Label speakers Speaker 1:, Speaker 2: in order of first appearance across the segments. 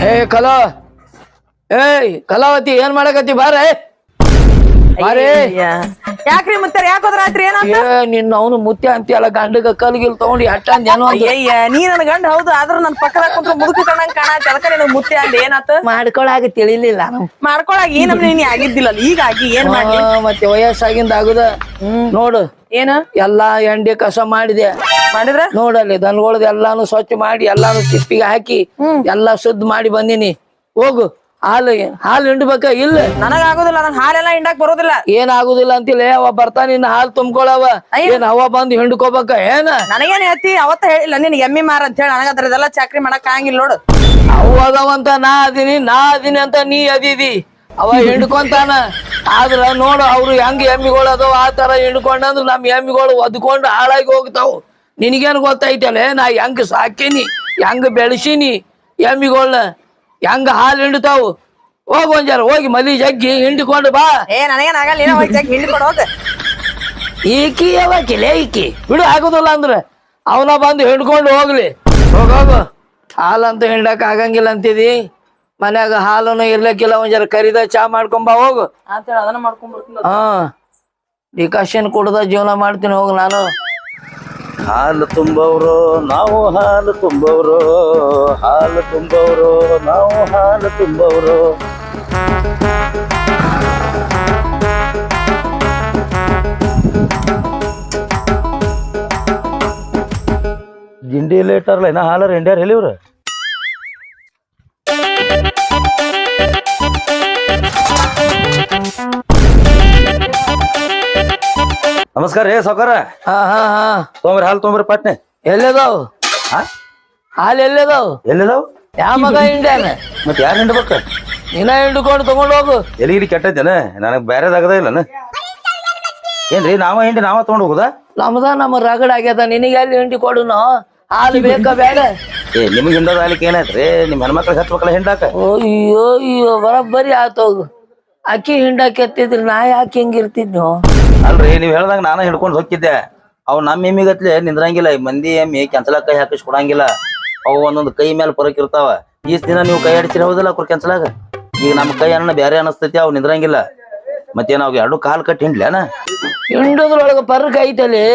Speaker 1: ಏ ಕಲಾ ಏಯ್ ಕಲಾವತಿ ಏನ್ ಮಾಡಕತ್ತಿ ಬಾರ ಬಾರೇ
Speaker 2: ಯಾಕ್ರಿ ಮುತ್ತಾರ ಯಾಕೋದ್ರ ಆತ್ರಿ
Speaker 1: ಏ ನಿನ್ನ ಅವನು ಮುತ್ಯ ಅಂತೀಯಲ್ಲ ಗಂಡಗ ಕಲ್ಗಿಲ್ ತಗೊಂಡು ಅಟ್ಟಂದ್ ಏನೋ
Speaker 2: ಅಯ್ಯ ನೀ ನನ್ ಗಂಡ ಹೌದು ಆದ್ರ ನನ್ ಪಕ್ಕದಾಗ ಕುಂತ್ರ ಮುದುಕ ಕಣಂಗ್ ಕಾಣತಿ ಅದಕ್ಕ ನಿನಗ್ ಮುತ್ತೆ ಅಂದ ಏನಾತ
Speaker 1: ಮಾಡ್ಕೊಳಾಗ ತಿಳಿಲಿಲ್ಲ
Speaker 2: ಮಾಡ್ಕೊಳಾಗ ಏನ್ ನೀ ಆಗಿದ್ದಿಲ್ಲ ಈಗ ಆಗಿ ಏನ್ ಮಾಡ್ಲಿ
Speaker 1: ಮತ್ತೆ ವಯಸ್ಸಾಗಿಂದ ಆಗುದ ನೋಡು
Speaker 2: ಏನ
Speaker 1: ಎಲ್ಲಾ ಎಂಡಿ ಕಸ ಮಾಡಿದೆ
Speaker 2: ಮಾಡಿದ್ರ
Speaker 1: ನೋಡಲ್ಲಿ ದನಗಳದ ಎಲ್ಲಾನು ಸ್ವಚ್ಛ ಮಾಡಿ ಎಲ್ಲಾನು ತಿಪ್ಪಿಗೆ ಹಾಕಿ ಎಲ್ಲಾ ಶುದ್ಧ ಮಾಡಿ ಬಂದಿನಿ ಹೋಗು ಹಾಲು ಹಿಂಡ್ಬೇಕ ಇಲ್ಲ
Speaker 2: ನನಗ್ ಆಗುದಿಲ್ಲ ನಂಗ್ ಹಾಲೆಲ್ಲ ಹಿಂಡಾಕ್ ಬರೋದಿಲ್ಲ
Speaker 1: ಏನ್ ಆಗುದಿಲ್ಲ ಅಂತಿಲ್ಲ ಅವ ಬರ್ತಾನ ಇನ್ನ ಹಾಲು ತುಂಬ್ಕೊಳವ ಏನ್ ಅವ ಬಂದು ಹಿಂಡ್ಕೋಬೇಕ ಏನ
Speaker 2: ನನಗೇನ್ ಹೇಳ್ತಿ ಅವತ್ತ ಹೇಳಿಲ್ಲ ನಿನ್ ಎಮ್ಮಿ ಮಾರ ಅಂತ ಹೇಳಿ ನನಗದ್ರ ಇದೆಲ್ಲ ಚಾಕ್ರಿ ಮಾಡಕ್ ಆಗಂಗಿಲ್ಲ ನೋಡು
Speaker 1: ಅವು ಅದಾವಂತ ನಾ ಅದೀನಿ ಅಂತ ನೀ ಅದಿದಿ ಅವ ಹಿಂಡ್ಕೊಂತಾನ ಆದ್ರ ನೋಡು ಅವ್ರು ಹೆಂಗ್ ಎಮ್ಮಿಗಳು ಅದಾವ ಆ ತರ ಹಿಂಡ್ಕೊಂಡಂದ್ರ ನಮ್ ಎಮ್ಮಿಗಳು ಒದ್ಕೊಂಡು ಹಾಳಾಗಿ ಹೋಗ್ತಾವ್ ನಿನಗೇನ್ ಗೊತ್ತೈತಲ್ಲ ನಾ ಹೆಂಗ್ ಸಾಕಿನಿ ಹೆಂಗ್ ಬೆಳೆಸಿನಿ ಎಮ್ಮಿಗಳನ್ನ ಹೆಂಗ ಹಾಲು ಹಿಂಡ್ತಾವು ಹೋಗ್ ಒಂಜಾರ ಹೋಗಿ ಮಲಿ ಜಗ್ಗಿ ಹಿಂಡಿಕೊಂಡು ಬಾ
Speaker 2: ನನಗೇನ್ ಆಗಲ್ಲ ಏನೋ ಹೋಗಿ ಹಿಂಡ್ಕೊಂಡು ಹೋಗ
Speaker 1: ಈಕಿ ಯಾವಾಕಿಲ್ಲ ಈಕಿ ಬಿಡು ಆಗುದಿಲ್ಲ ಅಂದ್ರ ಅವನ ಬಂದು ಹಿಂಡ್ಕೊಂಡು ಹೋಗ್ಲಿ ಹೋಗೋಗು ಹಾಲಂತೂ ಹಿಂಡಕ್ ಆಗಂಗಿಲ್ಲ ಅಂತಿದಿ ಮನ್ಯಾಗ ಹಾಲನು ಇರ್ಲಕ್ಕಿಲ್ಲ ಒಂಜಾರ ಕರಿದ ಚಾ ಮಾಡ್ಕೊಂಬ ಹೋಗು
Speaker 2: ಅಂತೇಳಿ ಅದನ್ನ ಮಾಡ್ಕೊಂಡ್ಬಿಡ್ತೀನಿ
Speaker 1: ಹಾ ಡಿಕಾಷನ್ ಕುಡ್ದ ಜೀವನ ಮಾಡ್ತೀನಿ ಹೋಗು ನಾನು
Speaker 3: ಹಾಲು ತುಂಬವರು ನಾವು ಹಾಲು ತುಂಬವರು ಹಾಲು ತುಂಬವರು ನಾವು ಹಾಲು ತುಂಬವರು ಗಿಂಡಿ ಲೇಟರ್ಲ ಏನ ಹಾಲರ್ ಇಂಡಿಯಾರ್ ಹೇಳಿವ್ರ ನಮಸ್ಕಾರ ರೇ ಸಾವ್ಕಾರ
Speaker 1: ಹಾ ಹಾ ಹಾ
Speaker 3: ತೊಂಬ್ರಿ ಹಾಲು ತೊಂಬ್ರಿ ಪಟ್ನೆ
Speaker 1: ಎಲ್ಲದಾವ್ ಹಾಲು ಎಲ್ಲದಾವ್
Speaker 3: ಎಲ್ಲಿದಾವ್
Speaker 1: ಯಾವ ಮಗ ಹಿಂಡ್ಯಾನ
Speaker 3: ಮತ್ ಯಾರು ಹಿಂಡ್ಬೇಕ
Speaker 1: ನೀನ ಹಿಂಡ್ಕೊಂಡು ತಗೊಂಡ್ ಹೋಗು
Speaker 3: ಎಲಿಗಿರಿ ಕೆಟ್ಟೈತೇನ ನನಗ್ ಬ್ಯಾರೆದಾಗದ ಇಲ್ಲನ ಏನ್ರಿ ನಾವ ಹಿಂಡಿ ನಾವ ತಗೊಂಡ್ ಹೋಗುದಾ
Speaker 1: ನಮ್ದ ನಮ್ಮ ರಗಡ ಆಗ್ಯದ ನಿನಗೆ ಎಲ್ಲಿ ಹಿಂಡಿ ಕೊಡುನು ಹಾಲು ಬೇಕಾ ಬೇಡ
Speaker 3: ಏ ನಿಮ್ಗೆ ಹಿಂಡೋದ ಆಗ್ಲಿಕ್ಕೆ ಏನಾಯ್ತ್ರಿ ನಿಮ್ ಹೆಣ್ಮಕ್ಳಿಗೆ ಹಚ್ಬೇಕಲ್ಲ ಹಿಂಡಾಕ
Speaker 1: ಅಯ್ಯೋ ಅಯ್ಯೋ ಬರಬ್ಬರಿ ಆತೋಗು ಅಕ್ಕಿ ಹಿಂಡಾಕ್ ಎತ್ತಿದ್ರಿ ನಾ ಯಾಕೆ ಹಿಂಗಿರ್ತಿದ್ನು
Speaker 3: ಅಲ್ರಿ ನೀವ್ ಹೇಳ್ದಂಗ ನಾನು ಹಿಡ್ಕೊಂಡು ಹೋಗಿದ್ದೆ ಅವ್ ನಮ್ಮ ಎಮ್ಮಿಗತ್ಲೆ ನಿಂದ್ರಂಗಿಲ್ಲ ಈ ಮಂದಿ ಎಮ್ಮಿ ಕೆಂಚಲ ಕೈ ಹಾಕಿಸ್ ಕೊಡಂಗಿಲ್ಲ ಅವು ಒಂದೊಂದು ಕೈ ಮೇಲೆ ಪರಕ್ ಇರ್ತಾವ ಈಸ್ ದಿನ ನೀವು ಕೈ ಆಡಿಸಿರ ಹೌದಲ್ಲ ಅವ್ರ ಕೆಂಚಲಾಗ ಈಗ ನಮ್ಮ ಕೈ ಅನ್ನ ಬ್ಯಾರೆ ಅನಸ್ತೈತಿ ಅವ್ ನಿಂದ್ರಂಗಿಲ್ಲ ಮತ್ತೇನ ಅವ್ ಎರಡು ಕಾಲ್ ಕಟ್ಟಿ ಹಿಂಡ್ಲೇನ
Speaker 1: ಹಿಂಡುದ್ರೊಳಗ ಪರ್ಕ್ ಐತಲಿ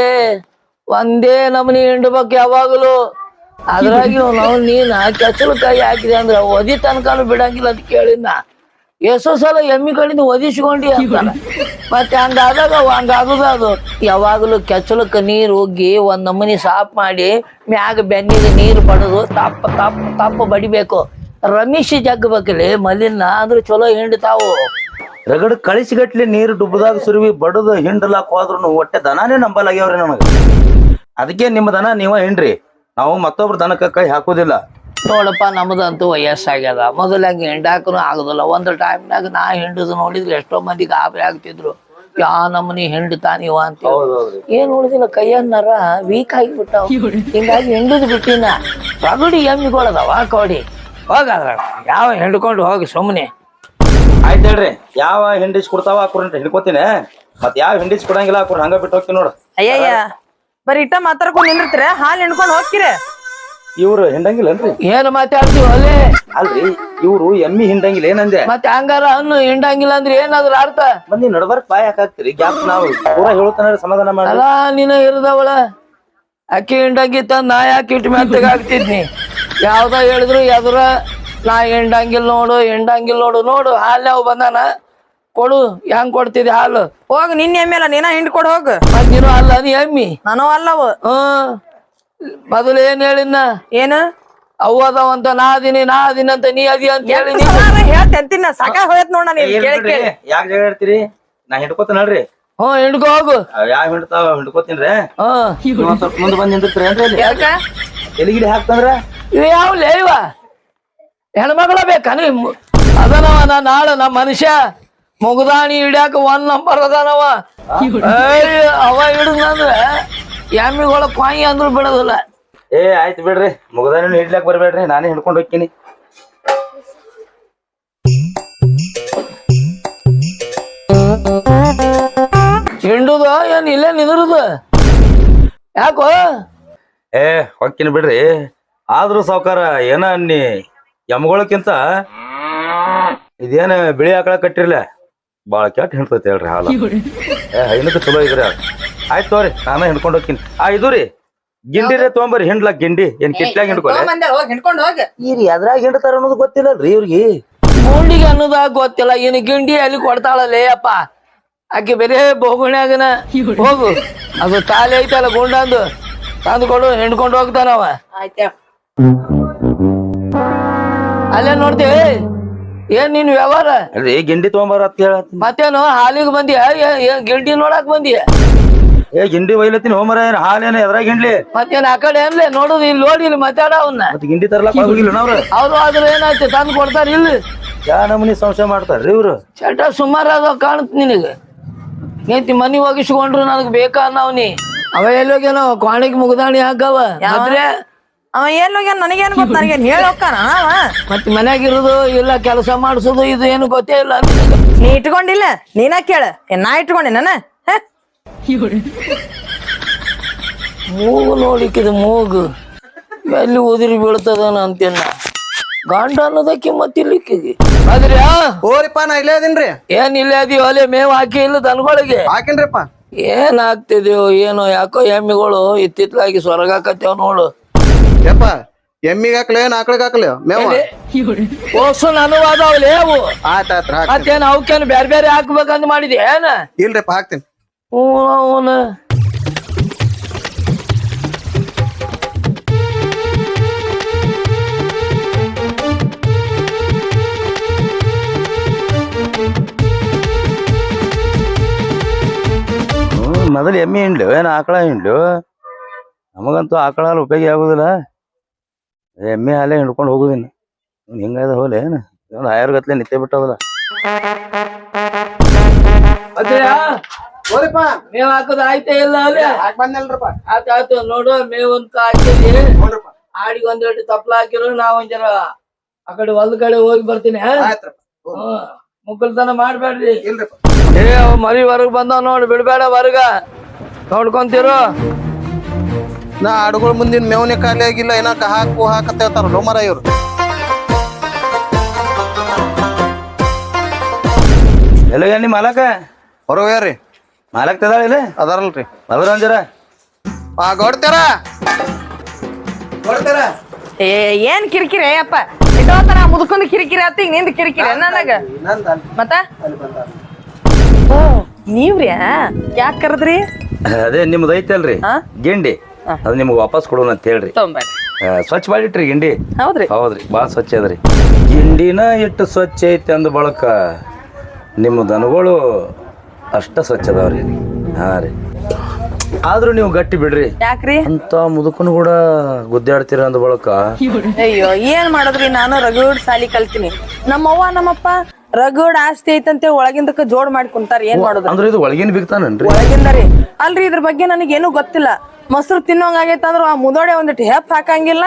Speaker 1: ಒಂದೇ ನಮನಿ ಹಿಂಡ್ಬೇಕು ಯಾವಾಗಲೂ ಅದ್ರಾಗಿ ನಾವು ನೀನ ಕೆಸಲು ಕೈ ಹಾಕಿದೆ ಅಂದ್ರೆ ಒದಿ ತನಕನು ಬಿಡಂಗಿಲ್ಲ ಅಂತ ಕೇಳಿನ ಎಷ್ಟೋ ಸಲ ಎಮ್ಮಿ ಕಡೆಯಿಂದ ಒದಿಸ್ಕೊಂಡಿ ಅಂತಾನ ಮತ್ತೆ ಹಂಗಾದಾಗ ಹಂಗಾಗುದ ಅದು ಯಾವಾಗಲೂ ಕೆಚ್ಚಲಕ್ಕ ನೀರು ಹೋಗಿ ಒಂದ್ ನಮೂನಿ ಸಾಫ್ ಮಾಡಿ ಮ್ಯಾಗ ಬೆನ್ನಿಗೆ ನೀರು ಬಡದು ತಪ್ಪ ತಪ್ಪ ತಪ್ಪ ಬಡಿಬೇಕು ರಮೇಶಿ ಜಗ್ಬೇಕಲ್ಲಿ ಮಲಿನ ಅಂದ್ರೆ ಚಲೋ ಹಿಂಡ್ತಾವು
Speaker 3: ರಗಡ್ ಕಳಿಸಿಗಟ್ಲಿ ನೀರು ಡುಬ್ಬದಾಗ ಸುರುವಿ ಬಡದು ಹಿಂಡಲಾಕ್ ಹೋದ್ರು ಹೊಟ್ಟೆ ದನಾನೇ ನಂಬಲಾಗ್ಯಾವ್ರಿ ನಮಗ ಅದಕ್ಕೆ ನಿಮ್ಮ ದನ ನೀವ ಹಿಂಡ್ರಿ ನಾವು ಮತ್ತೊಬ್ರ ದನಕ್ಕ ಕೈ ಹಾಕೋದಿಲ್ಲ
Speaker 1: ನೋಡಪ್ಪ ನಮ್ದಂತೂ ವಯಸ್ಸಾಗ್ಯದ ಮೊದಲಾಗಿ ಹಿಂಡಾಕನು ಆಗುದಿಲ್ಲ ಒಂದು ಟೈಮ್ನಾಗ ನಾ ಹಿಂಡುದು ನೋಡಿದ್ರೆ ಎಷ್ಟೋ ಮಂದಿ ಗಾಬರಿ ಆಗ್ತಿದ್ರು ಯಾ ನಮ್ಮನಿ ಹಿಂಡ್ತಾನಿವ ಅಂತ ಏನ್ ನೋಡಿದಿಲ್ಲ ಕೈಯನ್ನರ ವೀಕ್ ಆಗಿಬಿಟ್ಟಾವ ಹಿಂಗಾಗಿ ಹಿಂಡುದು ಬಿಟ್ಟಿನ ರಗಡಿ ಎಮ್ಮಿಗಳದಾವ ಕೊಡಿ ಹೋಗಾದ್ರ ಯಾವ ಹಿಂಡ್ಕೊಂಡು ಹೋಗಿ ಸುಮ್ಮನೆ
Speaker 3: ಆಯ್ತು ಹೇಳ್ರಿ ಯಾವ ಹಿಂಡಿಸ್ ಕೊಡ್ತಾವ ಹಾಕೋರ್ ಹಿಡ್ಕೋತೀನಿ ಮತ್ ಯಾವ ಹಿಂಡಿಸ್ ಕೊಡಂಗಿಲ್ಲ ಹಾಕೋರ್ ಹಂಗ ಬಿಟ್ಟು ಹೋಗ್ತೀನಿ ನೋಡು
Speaker 2: ಅಯ್ಯಯ್ಯ ಬರೀ ಇಟ್ಟ ಮಾತಾಡ್ಕೊಂಡ್ ನಿಂದಿರ್ತೀರ ಹಾಲು ಹಿಂಡ್ಕೊಂಡ್ ಹೋಗ್ತೀರ
Speaker 3: ಇವ್ರು ಹಿಂಡಂಗಿಲ್ಲನ್ರಿ
Speaker 1: ಏನ್ ಮಾತಾಡ್ತೀವಿ ಅಲ್ಲೇ
Speaker 3: ಅಲ್ರಿ ಇವ್ರು ಎಮ್ಮಿ ಹಿಂಡಂಗಿಲ್ಲ ಏನಂದೆ
Speaker 1: ಮತ್ತೆ ಹಂಗಾರ ಹಣ್ಣು ಹಿಂಡಂಗಿಲ್ಲ ಅಂದ್ರೆ ಏನಾದ್ರ ಅರ್ಥ
Speaker 3: ಮಂದಿ ನಡ್ಬಾರ್ಕ್ ಬಾಯ್ ಹಾಕಾಕ್ತಿರಿ ಗ್ಯಾಪ್ ನಾವು ಪೂರಾ ಹೇಳ್ತಾನ ಸಮಾಧಾನ ಮಾಡಿ
Speaker 1: ಅಲ್ಲ ನೀನ ಇರದವಳ ಅಕ್ಕಿ ಹಿಂಡಂಗಿತ್ತ ನಾ ಯಾಕೆ ಇಟ್ಟು ಮೆತ್ತಗ ಆಗ್ತಿದ್ನಿ ಯಾವ್ದ ಹೇಳಿದ್ರು ಎದುರ ನಾ ಹಿಂಡಂಗಿಲ್ ನೋಡು ನೋಡು ಹಾಲು ಯಾವ ಬಂದಾನ ಕೊಡು ಹೆಂಗ್ ಕೊಡ್ತಿದ್ದೆ ಹಾಲು
Speaker 2: ಹೋಗ್ ನಿನ್ ಎಮ್ಮೆ ಅಲ್ಲ ನೀನ ಹಿಂಡ್ಕೊಡ್ ಹೋಗ್
Speaker 1: ಮತ್ ನೀನು ಅಲ್ಲ ನೀ ಎಮ್ಮಿ
Speaker 2: ನಾನು ಅಲ್ಲವ
Speaker 1: ಮೊದಲು ಏನ್ ಹೇಳಿನ
Speaker 2: ಏನ
Speaker 1: ಅವು ಅದಾವಂತ ನಾ ಅದೀನಿ ಅಂತ ನೀ ಅದಿ ಅಂತ ಹೇಳಿ
Speaker 2: ಹೇಳ್ತೇಂತಿನ ಸಾಕ ಹೋಯ್ತ್ ನೋಡ ನೀನ್ ಕೇಳಿ
Speaker 3: ಯಾಕೆ ಜಗಳ ಹೇಳ್ತೀರಿ ನಾ ಹಿಡ್ಕೋತೀನಿ ನೋಡ್ರಿ
Speaker 1: ಹಿಂಡ್ಕೊ ಹೋಗು
Speaker 3: ಯಾವ ಹಿಡ್ತಾವ ಹಿಡ್ಕೋತೀನ್ರಿ ಸ್ವಲ್ಪ ಮುಂದೆ ಬಂದ್ ನಿಂದಿರ್ತೀರಿ
Speaker 2: ಯಾಕ
Speaker 3: ಎಲಿಗಿಲಿ ಹಾಕ್ತಂದ್ರ
Speaker 1: ಇವ ಯಾವ್ಲೇ ಇವ ಹೆಣ್ಮಗಳ ಬೇಕಾ ಅದನವ ನಾಳೆ ನಮ್ಮ ಮನುಷ್ಯ ಮುಗದಾಣಿ ಹಿಡ್ಯಾಕ 1 ನಂಬರ್ ಅದಾನವ ಅವ ಹಿಡಿದ್ನಂದ್ರ ಎಮ್ಮಿಗಳ ಕಾಯಿ ಅಂದ್ರು ಬಿಡೋದಿಲ್ಲ
Speaker 3: ಏ ಆಯ್ತು ಬಿಡ್ರಿ ಮುಗದಾನ ಹಿಡ್ಲಾಕ್ ಬರ್ಬೇಡ್ರಿ ನಾನೇ ಹಿಡ್ಕೊಂಡು ಹೋಗ್ತೀನಿ
Speaker 1: ಹಿಂಡುದ ಏನ್ ಇಲ್ಲೇ ನಿಂದ್ರುದ ಯಾಕೋ
Speaker 3: ಏ ಹೊಕ್ಕಿನ ಬಿಡ್ರಿ ಆದ್ರೂ ಸಾವ್ಕಾರ ಏನ ಅನ್ನಿ ಎಮ್ಗೊಳಕ್ಕಿಂತ ಇದೇನ ಬಿಳಿ ಆಕಳ ಕಟ್ಟಿರ್ಲ ಬಾಳ ಕೆಟ್ಟ ಹಿಂಡ್ತೈತಿ ಹೇಳ್ರಿ ಹಾಲು ಹೈನಕ್ಕೆ ಚಲೋ ಇದ್ರಿ ಅದು ಆಯ್ತು ತೋರಿ ನಾನ ಹಿಂಡ್ಕೊಂಡ್ ಹೋಗ್ತೀನಿ ಇದು ರೀ ಗಿಂಡಿರೇ ತೊಗೊಂಬರ್ರಿ ಹಿಂಡ್ಲಾ ಗಿಂಡಿ ಏನ್ ಕಿಟ್ಲಾಗ ಹಿಂಡ್ಕೊಲೆ
Speaker 2: ಹೋಗಿ ಹಿಡ್ಕೊಂಡು ಹೋಗ
Speaker 3: ಈರಿ ಅದ್ರಾಗ ಹಿಂಡ್ತಾರ ಅನ್ನೋದು ಗೊತ್ತಿಲ್ಲಲ್ರಿ ಇವ್ರಿಗೆ
Speaker 1: ಗುಂಡಿಗೆ ಅನ್ನೋದಾಗ ಗೊತ್ತಿಲ್ಲ ಇನ್ನು ಗಿಂಡಿ ಅಲ್ಲಿ ಕೊಡ್ತಾಳಲ್ಲೇ ಅಪ್ಪ ಆಕೆ ಬೇರೆ ಬೋಗುಣ್ಯಾಗನ ಹೋಗು ಅದು ತಾಲಿ ಐತಲ್ಲ ಗುಂಡಂದು ತಂದುಕೊಡು ಹಿಂಡ್ಕೊಂಡು ಹೋಗ್ತಾನವ
Speaker 2: ಆಯ್ತಾ
Speaker 1: ಅಲ್ಲೇ ನೋಡ್ತೇವೆ ಏನ್ ನೀನ್ ವ್ಯವಹಾರ
Speaker 3: ಅಲ್ರಿ ಗಿಂಡಿ ತೊಗೊಂಬಾರ ಅಂತ ಹೇಳ
Speaker 1: ಮತ್ತೇನು ಹಾಲಿಗೆ ಬಂದಿಯ ಗಿಂಡಿ ನೋಡಕ್ ಬಂದಿಯ
Speaker 3: ಗಿಂಡಿ ಒಯ್ಲತ್ತೀನಿ ಹೋಮರ ಏನ್ ಹಾಲೇನ ಎದ್ರಾಗ ಹಿಂಡ್ಲಿ
Speaker 1: ಮತ್ತೇನ್ ಆ ಕಡೆ ಅನ್ಲೇ ನೋಡುದು ಇಲ್ಲಿ ನೋಡಿ ಇಲ್ಲಿ ಮಾತಾಡ ಅವನ್ನ
Speaker 3: ಮತ್ ಗಿಂಡಿ ತರ್ಲಾಕ ಹೋಗಿಲ್ಲ ನಾವ್ರ
Speaker 1: ಅವ್ರು ಆದ್ರೆ ಏನಾಯ್ತು ತಂದು ಕೊಡ್ತಾರ ಇಲ್ಲಿ
Speaker 3: ಯಾ ನಮೂನಿ ಸಂಶಯ ಮಾಡ್ತಾರ್ರಿ ಇವ್ರು
Speaker 1: ಚಟ ಸುಮಾರು ಅದ ಕಾಣುತ್ತ ನಿನಗೆ ಏಂತಿ ಮನಿ ಒಗಿಸ್ಕೊಂಡ್ರು ನನಗ್ ಬೇಕಾ ಅನ್ನವ್ನಿ ಅವ ಎಲ್ಲೋಗೇನೋ ಕ್ವಾಣಿಗೆ ಮುಗ್ದಾಣಿ ಹಾಕವ ಆದ್ರೆ
Speaker 2: ಅವ ಏನ್ ಹೋಗ್ಯಾನ ನನಗೇನ್ ಗೊತ್ತ ನನಗೇನ್ ಹೇಳಿ ಹೋಗ್ತಾನ ಅವ
Speaker 1: ಮತ್ತೆ ಮನ್ಯಾಗಿರೋದು ಇಲ್ಲ ಕೆಲಸ ಮಾಡಿಸೋದು ಇದು ಏನು ಗೊತ್ತೇ ಇಲ್ಲ
Speaker 2: ನೀ ಇಟ್ಕೊಂಡಿಲ್ಲ ನೀನ ಕೇಳ ನಾ ಇಟ್ಕೊಂಡಿ ನಾನ
Speaker 1: ಮೂಗು ನೋಡ್ಲಿಕ್ಕಿದು ಮೂಗು ಎಲ್ಲಿ ಉದಿರಿ ಬೀಳ್ತದನ ಅಂತೇನ ಗಂಡ ಅನ್ನೋದಕ್ಕೆ ಮತ್ತಿಲ್ಲಿಕ್ಕಿಗೆ ಆದ್ರೆ
Speaker 4: ಓರಿಪ್ಪ ನಾ ಇಲ್ಲೇ ಅದೀನ್ರಿ
Speaker 1: ಏನ್ ಇಲ್ಲ ಅದೀವಿ ಅಲ್ಲೇ ಮೇವ್ ಹಾಕಿ ಇಲ್ಲ ದನಗಳಿಗೆ
Speaker 4: ಹಾಕೇನ್ರಿಪ್ಪ
Speaker 1: ಏನ್ ಆಗ್ತಿದ್ಯೋ ಏನೋ ಯಾಕೋ ಎಮ್ಮಿಗಳು ಇತ್ತಿತ್ಲಾಗಿ ಸ್ವರ್ಗಾಕತ್ತೇವ್ ನೋಡು
Speaker 4: ಯಪ್ಪ ಎಮ್ಮಿಗೆ ಹಾಕ್ಲೆ ಆಕಳಿಗೆ ಹಾಕ್ಲೆ ಮೇವ
Speaker 1: ಓಸು ನನವಾದವ್ಲೇ ಅವು
Speaker 4: ಆಯ್ತ್ ಆಯ್ತ್ ಹಾಕ್
Speaker 1: ಮತ್ತೇನ್ ಅವಕ್ಕೇನು ಬೇರೆ ಬೇರೆ ಹಾಕ್ಬೇಕಂತ ಮಾಡಿದ್ಯಾ ಏನ
Speaker 4: ಇಲ್ರಿಪ್ಪ ಹಾಕ್ತೀನಿ
Speaker 1: ಅವನ
Speaker 3: ಮೊದಲು ಎಮ್ಮೆ ಹಿಂಡ್ಲು ಏನು ಆಕಳ ಹಿಂಡ್ಲು ನಮಗಂತೂ ಆಕಳ ಹಾಲು ಉಪಯೋಗ ಆಗುದಿಲ್ಲ ಎಮ್ಮೆ ಹಾಲೇ ಹಿಂಡ್ಕೊಂಡು ಹೋಗುದಿನ ಹಿಂಗಾದ ಹೋಲೆ ಏನು ಒಂದು ಆಯುರ್ಗತ್ಲೆ ನಿತ್ಯ ಬಿಟ್ಟವಲ್ಲ
Speaker 4: ಓರಿಪ್ಪ
Speaker 1: ಮೇವ್ ಹಾಕೋದು ಆಯ್ತಾ ಇಲ್ಲ ಅಲ್ಲೇ
Speaker 4: ಹಾಕ್ ಬಂದಲ್ರಪ್ಪ
Speaker 1: ಆಯ್ತಾಯ್ತು ನೋಡು ಮೇವಂತ ಹಾಕಿದಿ ಆಡಿಗೆ ಒಂದೆರಡು ತಪ್ಲ ಹಾಕಿರು ನಾ ಒಂದ್ ಜರ ಆ ಕಡೆ ಹೊಲ್ದ ಕಡೆ ಹೋಗಿ ಬರ್ತೀನಿ
Speaker 4: ಆಯ್ತ್ರಪ್ಪ
Speaker 1: ಮುಕ್ಕಲ್ತನ ಮಾಡ್ಬೇಡ್ರಿ
Speaker 4: ಇಲ್ರಿಪ್ಪ
Speaker 1: ಏ ಅವ್ ಮರಿ ಹೊರಗ್ ಬಂದಾವ್ ನೋಡು ಬಿಡ್ಬೇಡ ಹೊರಗ ನೋಡ್ಕೊಂತಿರು
Speaker 4: ನಾ ಆಡುಗಳ ಮುಂದಿನ ಮೇವನೆ ಖಾಲಿ ಆಗಿಲ್ಲ ಏನ ಹಾಕು ಹಾಕತ್ತ ಹೇಳ್ತಾರ ಲೋಮರ ಇವ್ರು
Speaker 3: ಎಲ್ಲ ನಿಮ್ಮ ಮಾಲಕ
Speaker 4: ಹೊರಗ್ಯಾರ್ರಿ
Speaker 3: ಮಾಲಕ್ ತದಾಳಿಲ್ಲ
Speaker 4: ಅದಾರಲ್ರಿ
Speaker 3: ಅದ್ರ ಅಂಜರ
Speaker 4: ಗೌಡ್ತಾರ ಗೌಡ್ತಾರ
Speaker 2: ಏ ಏನ್ ಕಿರಿಕಿರಿ ಅಪ್ಪ ಇಟ್ಟೋತನ ಮುದುಕೊಂಡ್ ಕಿರಿಕಿರಿ ಆತ ಈಗ ನಿಂದ ಕಿರಿಕಿರಿ ನನಗ ಮತ್ತ ಓ ನೀವ್ರಿ ಯಾಕೆ ಕರೆದ್ರಿ
Speaker 3: ಅದೇ ನಿಮ್ದು ಐತಲ್ರಿ ಗಿಂಡಿ ಅದು ನಿಮ್ಗೆ ವಾಪಸ್ ಕೊಡೋಣ ಅಂತ ಹೇಳ್ರಿ
Speaker 2: ತೊಂಬರ್ರಿ
Speaker 3: ಸ್ವಚ್ಛ ಮಾಡಿಟ್ರಿ ಗಿಂಡಿ
Speaker 2: ಹೌದ್ರಿ
Speaker 3: ಹೌದ್ರಿ ಭಾಳ ಸ್ವಚ್ಛ ಅದ್ರಿ ಗಿಂಡಿನ ಇಟ್ಟು ಸ್ವಚ್ಛ ಐತಿ ಅಂದ ಬಳಕ ನಿಮ್ಮ ದನಗಳು ಅಷ್ಟ ಸ್ವಚ್ಛ ಅದಾವ್ರಿ ಹಾ ರೀ ಆದ್ರೂ ನೀವು ಗಟ್ಟಿ ಬಿಡ್ರಿ
Speaker 2: ಯಾಕ್ರಿ
Speaker 3: ಅಂತ ಮುದುಕನು ಕೂಡ ಗುದ್ದಾಡ್ತೀರ ಅಂದ ಬಳಕ
Speaker 2: ಅಯ್ಯೋ ಏನ್ ಮಾಡದ್ರಿ ನಾನು ರಗಡ್ ಸಾಲಿ ಕಲ್ತೀನಿ ನಮ್ಮವ್ವ ನಮ್ಮಪ್ಪ ರಗಡ್ ಆಸ್ತಿ ಐತಂತೆ ಒಳಗಿಂದಕ್ಕ ಜೋಡ್ ಮಾಡಿ ಕುಂತಾರ ಏನ್ ಮಾಡೋದು
Speaker 3: ಅಂದ್ರೆ ಇದು ಒಳಗಿನ ಬಿಗ್ತಾನನ್ರಿ
Speaker 2: ಒಳಗಿಂದರಿ ಅಲ್ರಿ ಇದ್ರ ಬಗ್ಗೆ ನನಗೇನು ಗೊತ್ತಿಲ್ಲ ಮೊಸರು ತಿನ್ನೋಂಗ ಆಗೈತ ಅಂದ್ರ ಆ ಮುದೋಡೆ ಒಂದಿಟ್ಟು ಹೆಪ್ ಹಾಕಂಗಿಲ್ಲ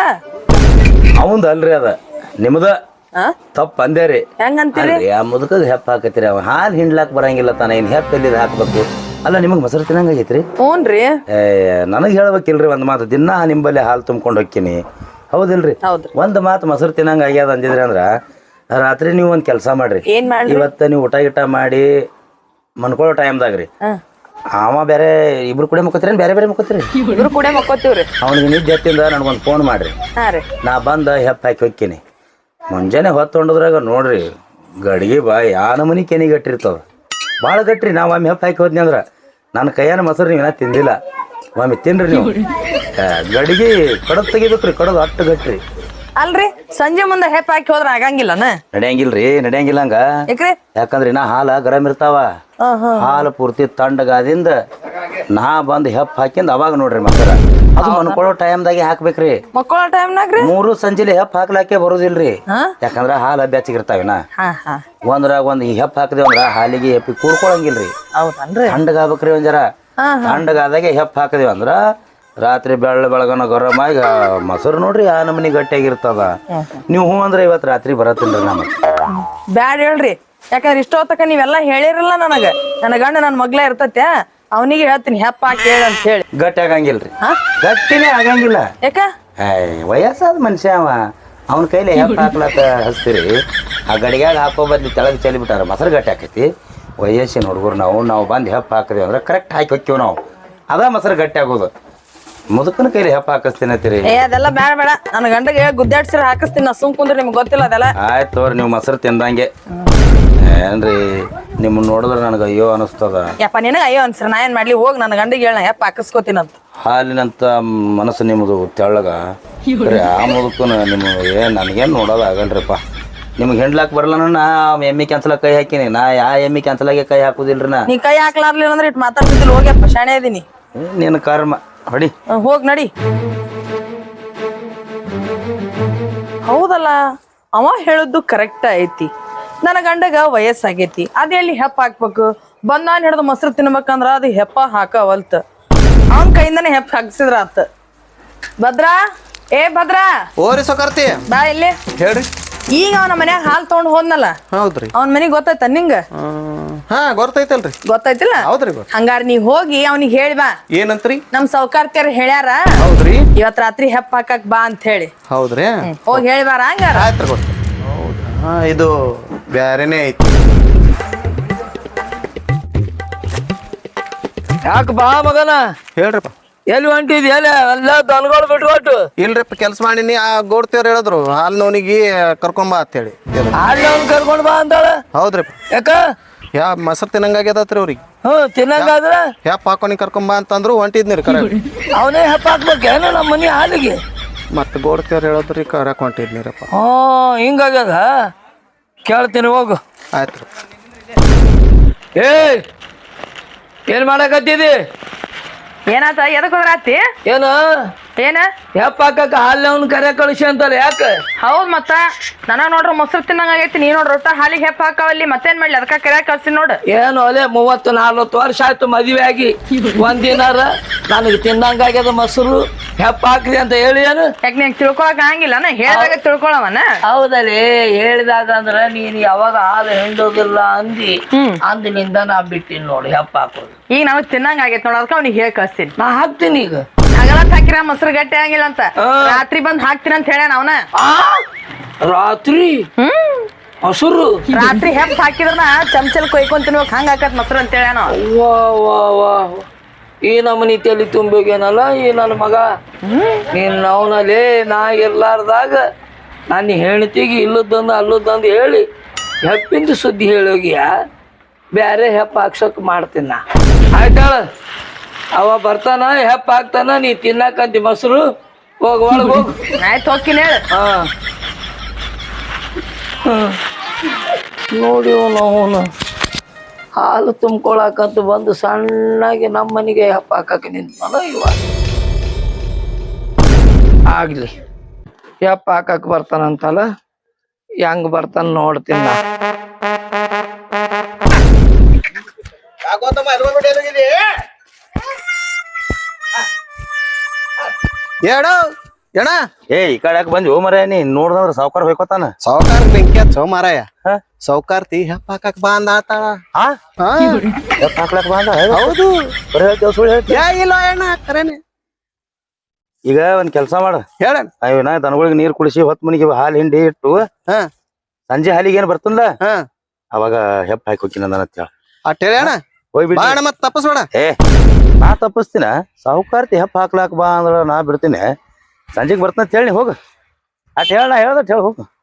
Speaker 3: ಅವಂದ ಅಲ್ರಿ ಅದ ನಿಮ್ದ
Speaker 2: ಆ
Speaker 3: ತಪ್ಪ ಅಂದೇರಿ
Speaker 2: ಹೆಂಗಂತೀರಿ
Speaker 3: ಆ ಮುದುಕದ ಹೆಪ್ಪ ಹಾಕತ್ತೀರಿ ಅವ ಹಾಲು ಹಿಂಡ್ಲಾಕ್ ಬರಂಗಿಲ್ಲ ತಾನ ಇನ್ ಹೆಪ್ಪ ಎಲ್ಲಿದ್ ಹಾಕ್ಬೇಕು ಅಲ್ಲ ನಿಮಗ್ ಮೊಸರು ತಿನ್ನಂಗ ಆಗೈತ್ರಿ
Speaker 2: ಹ್ಞೂನ್ರಿ
Speaker 3: ನನಗ್ ಹೇಳ್ಬೇಕಿಲ್ರಿ ಒಂದ್ ಮಾತು ದಿನ ನಿಂಬಲ್ಲಿ ಹಾಲು ತುಂಬ್ಕೊಂಡು ಹೋಗ್ತೀನಿ ಹೌದಿಲ್ರಿ
Speaker 2: ಹೌದ್ರಿ
Speaker 3: ಒಂದ್ ಮಾತು ಮೊಸರು ತಿನ್ನಂಗ ಆಗ್ಯಾದ ಅಂದಿದ್ರಿ ಅಂದ್ರ ರಾತ್ರಿ ನೀವು ಒಂದ್ ಕೆಲಸ ಮಾಡ್ರಿ
Speaker 2: ಏನ್ ಮಾಡ್ರಿ
Speaker 3: ಇವತ್ತ ನೀವು ಊಟ ಗಿಟ ಮಾಡಿ ಮನ್ಕೊಳ್ಳೋ ಟೈಮ್ದಾಗ್ರಿ ಅವ ಬೇರೆ ಇಬ್ರು ಕೂಡ ಮುಕ್ಕೋತೀರಿ ಬೇರೆ ಬೇರೆ ಮುಕ್ಕೋತೀರಿ
Speaker 2: ಇಬ್ರು ಕೂಡ ಮಕ್ಕೋತೀವ್ರಿ
Speaker 3: ಅವ್ನಿಗೆ ನಿದ್ದೆ ಎತ್ತಿಂದ ನನ್ಗೊಂದ್ ಫೋನ್ ಮಾಡ್ರಿ
Speaker 2: ಹಾ ರೀ
Speaker 3: ನಾ ಬಂದ ಹೆಪ್ಪ ಹಾಕಿ ಹೋಗ್ತೀನಿ ಮುಂಜಾನೆ ಹೊತ್ತೊಂಡದ್ರಾಗ ನೋಡ್ರಿ ಗಡಿಗೆ ಬಾಯಿ ಆ ನಮೂನಿ ಕೆನಿ ಗಟ್ಟಿರ್ತದ ಭಾಳ ಗಟ್ರಿ ನಾವು ಒಮ್ಮೆ ಹೆಪ್ಪ ಹಾಕಿ ಹೋದ್ನಿ ಅಂದ್ರ ನನ್ನ ಕೈಯಾನ ಮೊಸರು ನೀವೇನ ತಿಂದಿಲ್ಲ ಒಮ್ಮೆ ತಿನ್ರಿ ನೀವು ಗಡಿಗೆ ಕಡದ್ ತೆಗಿಬೇಕ್ರಿ ಕಡದ್ ಅಟ್ಟು ಗಟ್ರಿ
Speaker 2: ಅಲ್ರಿ ಸಂಜೆ ಮುಂದೆ ಹೆಪ್ ಹಾಕಿ ಹೋದ್ರ ಆಗಂಗಿಲ್ಲನ
Speaker 3: ನಡೆಯಂಗಿಲ್ರಿ ನಡೆಯಂಗಿಲ್ಲ ಹಂಗ
Speaker 2: ಯಾಕ್ರಿ
Speaker 3: ಯಾಕಂದ್ರೆ ನಾ ಹಾಲ ಗರಂ ಇರ್ತಾವ ಹಾಲು ಪೂರ್ತಿ ತಣ್ಣಗಾದಿಂದ ನಾ ಬಂದ್ ಹೆಪ್ಪ ಹಾಕಿಂದ ಅವಾಗ ನೋಡ್ರಿ ಮೊಸರ ಅದು ಮನ್ಕೊಳ್ಳೋ ಟೈಮ್ದಾಗೆ ಹಾಕ್ಬೇಕ್ರಿ
Speaker 2: ಮಕ್ಕಳ ಟೈಮ್ನಾಗ್ರಿ
Speaker 3: 3 ಸಂಜೆಲಿ ಹೆಪ್ಪ ಹಾಕ್ಲಾಕೆ ಬರೋದಿಲ್ರಿ ಯಾಕಂದ್ರ ಹಾಲು ಬೆಚ್ಚಗಿರ್ತಾವಿನ ಒಂದ್ರಾಗ ಒಂದ್ ಹೆಪ್ಪ ಹಾಕದೇವ್ ಅಂದ್ರ ಹಾಲಿಗೆ ಹೆಪ್ಪಿ ಕೂಡ್ಕೊಳಂಗಿಲ್ರಿ
Speaker 2: ಹೌದನ್ರಿ
Speaker 3: ತಣ್ಣಗಾಗ್ಬೇಕ್ರಿ ಒಂದ್ ಜರ ತಣ್ಣಗಾದಾಗೆ ಹೆಪ್ಪ ಹಾಕದೇವ್ ಅಂದ್ರ ರಾತ್ರಿ ಬೆಳಗನ ಗರಂ ಆಗಿ ಮೊಸರು ನೋಡ್ರಿ ಆ ನಮನಿ ಗಟ್ಟಿಯಾಗಿರ್ತದ ನೀವು ಹೂ ಅಂದ್ರೆ ಇವತ್ ರಾತ್ರಿ ಬರತ್ತಿಲ್ರಿ ನಮಗ್
Speaker 2: ಬ್ಯಾಡ್ ಹೇಳ್ರಿ ಯಾಕಂದ್ರೆ ಇಷ್ಟೊತ್ತಕ ನೀವೆಲ್ಲಾ ಹೇಳಿರಲ್ಲ ನನ್ನ ಗಂಡ ನನ್ ಮಗ್ಲ ಇರ್ತತೆ ಅವನಿಗೆ ಹೇಳ್ತೀನಿ ಹೆಪ್ಪ ಹಾಕಿ ಹೇಳ ಅಂತ ಹೇಳಿ
Speaker 3: ಗಟ್ಟಿ ಆಗಂಗಿಲ್ರಿ ಗಟ್ಟಿನೇ ಆಗಂಗಿಲ್ಲ
Speaker 2: ಯಾಕ
Speaker 3: ವಯಸ್ಸಾದ ಮನುಷ್ಯ ಅವ ಅವನ ಕೈಲಿ ಹೆಪ್ಪ ಹಾಕ್ಲಾಕ ಹಚ್ತೀರಿ ಆ ಗಡಿಗ್ಯಾಗ ಹಾಕೋ ಬದ್ಲಿ ತೆಳಗ್ ಚೆಲ್ಲಿ ಬಿಟ್ಟಾರ ಮೊಸರು ಗಟ್ಟಿ ಹಾಕೈತಿ ವಯಸ್ಸಿನ ಹುಡುಗರು ನಾವು ಬಂದು ಹೆಪ್ಪ ಹಾಕಿದೀವಿ ಅಂದ್ರೆ ಕರೆಕ್ಟ್ ಹಾಕಿ ಹೊಕ್ಕೀವಿ ನಾವು ಅದ ಮೊಸರು ಗಟ್ಟಿ ಆಗೋದು ಮುದುಕನ ಕೈಲಿ ಹೆಪ್ಪ ಹಾಕಿಸ್ತೀನಿ ಅಂತೀರಿ
Speaker 2: ಅದೆಲ್ಲ ಬೇಡ ಬೇಡ ನನ್ನ ಗಂಡಗೆ ಗುದ್ದಾಡ್ಸಿರ ಹಾಕಿಸ್ತೀನಿ ನಾ ಸುಮ್ ಕುಂದ್ರೆ ನಿಮ್ಗೆ ಗೊತ್ತಿಲ್ಲ ಅದೆಲ್ಲ
Speaker 3: ಆಯ್ತು ತೋರಿ ನೀವು ಮೊಸರು ತಿಂದಂಗೆ ಏನ್ರಿ ನಿಮ್ಮನ್ನ ನೋಡಿದ್ರೆ ನನಗೆ ಅಯ್ಯೋ ಅನಿಸ್ತದ
Speaker 2: ಯಪ್ಪ ನಿನಗೆ ಅಯ್ಯೋ ಅನ್ಸ್ರ ನಾ ಏನ್ ಮಾಡ್ಲಿ ಹೋಗಿ ನನ್ನ ಗಂಡಿಗೆ ಹೇಳ ಯಪ್ಪ ಹಾಕಿಸ್ಕೋತೀನಂತ
Speaker 3: ಹಾಲಿನಂತ ಮನಸ್ಸು ನಿಮ್ಮದು ತೆಳ್ಳಗ ಆ ಮುದುಕನ ನಿಮ್ಮ ನನಗೇನು ನೋಡೋದು ಆಗಲ್ರಿಪ್ಪ ನಿಮ್ಗೆ ಹೆಂಡ್ಲಾಕ್ ಬರಲ್ಲ ನಾ ಎಮ್ಮಿ ಕ್ಯಾನ್ಸಲ್ ಕೈ ಹಾಕಿನಿ ನಾ ಎಮ್ಮಿ ಕ್ಯಾನ್ಸಲಾಗೆ ಕೈ ಹಾಕುದಿಲ್ರಿ ನಾ
Speaker 2: ನೀ ಕೈ ಹಾಕ್ಲಾರ್ಲಿಲ್ಲ ಅಂದ್ರೆ ಇಟ್ಟು ಮಾತಾಡ್ತಿದ್ದಿಲ್ಲ ಹೋಗ್ಯಪ್ಪ ಶಾಣೆ ಇದೀನಿ
Speaker 3: ನಿನ್ನ ಕರ್ಮ ಹೊಡಿ
Speaker 2: ಹೋಗ್ ನಡಿ ಹೌದಲ್ಲ ಅವ ಹೇಳದ್ದು ಕರೆಕ್ಟ್ ಐತಿ ನನ್ನ ಗಂಡಗ ವಯಸ್ಸಾಗೈತಿ ಅದ ಎಲ್ಲಿ ಹೆಪ್ಪ ಹಾಕ್ಬೇಕು ಬಂದಾನ್ ಹಿಡ್ದು ಮೊಸರು ತಿನ್ಬೇಕಂದ್ರ ಅದು ಹೆಪ್ಪ ಹಾಕವಲ್ತ ಅವನ್ ಕೈಯಿಂದನೇ ಹೆಪ್ಪ ಹಾಕ್ಸಿದ್ರ ಆತ ಭದ್ರಾ ಭದ್ರಾ
Speaker 4: ಓರಿ ಸೊಕರ್ತಿ
Speaker 2: ಬಾ ಇಲ್ಲಿ
Speaker 4: ಹೇಳ್ರಿ
Speaker 2: ಈಗ ಅವನ ಮನ್ಯಾಗ ಹಾಲ್ ತಗೊಂಡ್ ಹೋದ್ನಲ್ಲ
Speaker 4: ಹೌದ್ರಿ
Speaker 2: ಅವನ ಮನಿಗ್ ಗೊತ್ತಾಯ್ತ ನಿಂಗ
Speaker 4: ಹಾ ಗೊತ್ತೈತಲ್ರಿ
Speaker 2: ಗೊತ್ತಾಯ್ತಿಲ್ಲ
Speaker 4: ಹೌದ್ರಿ
Speaker 2: ಹಂಗಾರ ನೀ ಹೋಗಿ ಅವ್ನಿಗೆ ಹೇಳಿ ಬಾ
Speaker 4: ಏನಂತ್ರಿ
Speaker 2: ನಮ್ ಸೌಕಾರ್ತಿಯರ್ ಹೇಳ್ಯಾರ
Speaker 4: ಹೌದ್ರಿ
Speaker 2: ಇವತ್ ರಾತ್ರಿ ಹೆಪ್ಪ ಹಾಕಕ್ ಬಾ ಅಂತ ಹೇಳಿ
Speaker 4: ಹೌದ್ರಿ
Speaker 2: ಹೋಗಿ ಹೇಳಿ ಬಾರ ಹಂಗಾರ
Speaker 4: ಆಯ್ತು ಗೊತ್ತ ಹೌದಾ ಇದು ಬ್ಯಾರೇನೆ ಐತಿ
Speaker 1: ಯಾಕೆ ಬಾ ಮಗನ
Speaker 4: ಹೇಳ್ರಿಪ್ಪ
Speaker 1: ಎಲ್ಲಿ ಹೊಂಟಿದ್ ಎಲ್ಲ ಎಲ್ಲ ದನಗಳು ಬಿಟ್ಕೊಟ್ಟು
Speaker 4: ಇಲ್ರಿಪ್ಪ ಕೆಲಸ ಮಾಡೀನಿ ಆ ಗೋಡ್ತಿಯವ್ರು ಹೇಳಿದ್ರು ಹಾಲ್ ನೋನಿಗೆ ಕರ್ಕೊಂಬಾ ಅಂತ ಹೇಳಿ
Speaker 1: ಅಲ್ಲಿ ಅವ್ನು ಕರ್ಕೊಂಡು ಬಾ ಅಂತಾಳ
Speaker 4: ಹೌದ್ರಿಪ್ಪ
Speaker 1: ಯಾಕ
Speaker 4: ಮೊಸರು ತಿನ್ನಂಗಾಗ್ಯದತ್ರಿ ಅವ್ರಿಗೆ
Speaker 1: ತಿನ್ನಂಗಾದ್ರ
Speaker 4: ಹ್ಯಾಪ್ ಹಾಕೊನಿ ಕರ್ಕೊಂಬಾ ಅಂತಂದ್ರು ಹೊಂಟಿದ್ನಿರಿ ಕರೆ
Speaker 1: ಅವನೇ ಹೆಪ್ಪ ಹಾಕ್ಬೇಕೇನ ನಮ್ಮ ಮನೆ ಹಾಲಿಗೆ
Speaker 4: ಮತ್ತೆ ಗೋಡ್ತಿಯವ್ರು ಹೇಳಿದ್ರಿ ಕರಕ್ ಹೊಂಟಿದ್ನಿರಪ್ಪ
Speaker 1: ಹಿಂಗಾಗ್ಯದ ಕೇಳ್ತೀನಿ ಹೋಗು
Speaker 4: ಆಯ್ತು
Speaker 1: ಏನ್ ಮಾಡಕತ್ತಿದಿ
Speaker 2: ಏನಾತ ಎದಕ್ ಹೋದ್ರಾತಿ
Speaker 1: ಏನು
Speaker 2: ಏನ
Speaker 1: ಹೆಪ್ಪ ಹಾಕಕ್ಕ ಹಾಲ್ ಅವ್ನ ಕರೆ ಕಳಿಸಿ ಅಂತಲ್ಲ ಯಾಕ
Speaker 2: ಹೌದ್ ಮತ್ತ ನನಗ ನೋಡ್ರ ಮೊಸರು ತಿನ್ನಂಗಾಗೈತಿ ನೀ ನೋಡ್ರ ಒಟ್ಟ ಹಾಲಿಗೆ ಹೆಪ್ಪ ಹಾಕಾವಲ್ಲಿ ಮತ್ತೇನ್ ಮಾಡ್ಲಿ ಅದಕ್ಕ ಕರೆ ಕಳ್ಸಿ ನೋಡು
Speaker 1: ಏನು ಅಲೆ 30-40 ವರ್ಷ ಆಯ್ತು ಮದ್ವೆ ಆಗಿ ಒಂದಿನಾರ ನನಗೆ ತಿನ್ನಂಗಾಗ್ಯದ ಮೊಸರು ಹೆಪ್ಪ ಹಾಕ್ರಿ ಅಂತ ಹೇಳಿ ಏನು
Speaker 2: ಯಾಕೆ ನೀನ್ ತಿಳ್ಕೊಳಕ್ ಆಗಂಗಿಲ್ಲ ಹೇಳಿದಾಗ ತಿಳ್ಕೊಳವನ
Speaker 1: ಹೌದಲ್ಲಿ ಹೇಳಿದಾಗ ಅಂದ್ರ ನೀನ್ ಯಾವಾಗ ಹಾಲು ಹಿಂಡೋದಿಲ್ಲ ಅಂದಿನಿಂದ ನಾ ಬಿಟ್ಟಿನಿ ನೋಡಿ ಹೆಪ್ಪ ಹಾಕೋದು
Speaker 2: ಈಗ ನಾವ್ ತಿನ್ನಂಗ ಆಗೈತಿ ನೋಡ ಅದಕ್ಕ ಅವ್ನಿಗೆ ಹೇಳಿ ಕಳ್ಸ್ತೀನಿ
Speaker 1: ನಾ ಹಾಕ್ತೀನಿ ಈಗ
Speaker 2: ಹಗಲತ್ ಹಾಕಿರ ಮೊಸರು ಗಟ್ಟಿ ಆಗಿಲ್ಲ ಅಂತ ರಾತ್ರಿ ಬಂದ್ ಹಾಕ್ತೀನಿ ಅಂತ ಹೇಳ್ಯಾನ ಅವನ
Speaker 1: ರಾತ್ರಿ ಮೊಸರು
Speaker 2: ರಾತ್ರಿ ಹೆಪ್ಪ ಹಾಕಿದ್ರನ ಚಮಚಲ್ ಕೊಯ್ಕೊಂಡ್ ತಿನ್ಬೇಕು ಹಂಗ ಹಾಕತ್ ಮೊಸರು ಅಂತ ಹೇಳ್ಯಾನ
Speaker 1: ವಾ ಈ ನಮ್ಮನಿ ತಲೆ ತುಂಬೋಗೇನಲ್ಲ ಈ ನನ್ನ ಮಗ ನೀನ್ ಅವನಲ್ಲಿ ನಾ ಇರ್ಲಾರ್ದಾಗ ನನ್ನ ಹೆಣ್ತಿಗೆ ಇಲ್ಲದಂದು ಅಲ್ಲದಂದು ಹೇಳಿ ಹೆಪ್ಪಿಂದ ಸುದ್ದಿ ಹೇಳೋಗಿಯ ಬ್ಯಾರೆ ಹೆಪ್ಪ ಹಾಕ್ಸಕ್ ಮಾಡ್ತೀನಿ ನಾ ಆಯ್ತಾಳ ಅವ ಬರ್ತಾನ ಹೆಪ್ಪ ಹಾಕ್ತಾನ ನೀ ತಿನ್ನಕಂತಿ ಮೊಸರು ಹೋಗ್ ಒಳಗ್ ಹೋಗ್
Speaker 2: ಆಯ್ತು ಹೋಗ್ತೀನಿ ಹೇಳ
Speaker 1: ನೋಡಿ ಅವನು ಹಾಲು ತುಂಬ್ಕೊಳಕಂತ ಬಂದು ಸಣ್ಣಗೆ ನಮ್ಮ ಮನೆಗೆ ಹೆಪ್ಪ ಹಾಕಕ್ಕೆ ನಿಂತಾನ ಇವ ಆಗ್ಲಿ ಹೆಪ್ಪ ಹಾಕಕ್ ಬರ್ತಾನಂತಲ್ಲ ಹೆಂಗ್ ಬರ್ತಾನ ನೋಡ್ತೀನಿ ನಾ
Speaker 3: ಈ ಕಡೆ ಯಾಕೆ ಬಂದಿ ಮರ ನೀ ನೋಡ್ದಂದ್ರ ಸಾವ್ಕಾರ ಹೋಯ್ಕೋತಾನ
Speaker 4: ಸಾವುಕಾರ ಬೆಂಕಿ ಹಚ್ಚೋ ಮಾರಾಯ ಸಾವುಕಾರ್ತಿ ಹೆಪ್ಪ ಹಾಕಕ್ ಬಾ ಅಂದ ಆತಾಳ
Speaker 3: ಹೆಪ್ಪ ಹಾಕ್ಲಕ್ ಬಂದ
Speaker 4: ಹೌದು
Speaker 3: ಬರೀ ಹೇಳ್ತೇವ್ ಸುಳ್ಳು ಹೇಳ್ತಿ
Speaker 4: ಇಲ್ಲ ಅಣ್ಣ ಕರೇನೆ
Speaker 3: ಈಗ ಒಂದ್ ಕೆಲ್ಸ ಮಾಡ
Speaker 4: ಹೇಳಣ್ಣ
Speaker 3: ಅಯ್ಯೋ ನಾ ದನಗಳಿಗೆ ನೀರ್ ಕುಡಿಸಿ ಹೊತ್ ಮನಿಗೆ ಹಾಲು ಹಿಂಡಿ ಇಟ್ಟು ಸಂಜೆ ಹಾಲಿಗೆ ಏನ್ ಬರ್ತಂದ ಅವಾಗ ಹೆಪ್ಪ ಹಾಕಿ ಹೋಗಿನ ಅಂತ ಹೇಳ
Speaker 4: ಅಟ್ ಹೇಳಣ್ಣ
Speaker 3: ಹೋಗ್ಬಿಡಿ
Speaker 4: ಮತ್ ತಪ್ಪಸ್ಬೇಡ
Speaker 3: ನಾ ತಪ್ಪಿಸ್ತೀನ ಸಾವುಕಾರ್ತಿ ಹೆಪ್ಪ ಹಾಕ್ಲಾಕ್ ಬಾ ಅಂದ್ರ ನಾ ಬಿಡ್ತೀನಿ ಸಂಜೆಗ್ ಬರ್ತಂತ ಹೇಳಿ ಹೋಗ ಅಟ್ ಹೇಳ ನಾ ಹೇಳ್ದಟ್ ಹೇಳ ಹೋಗು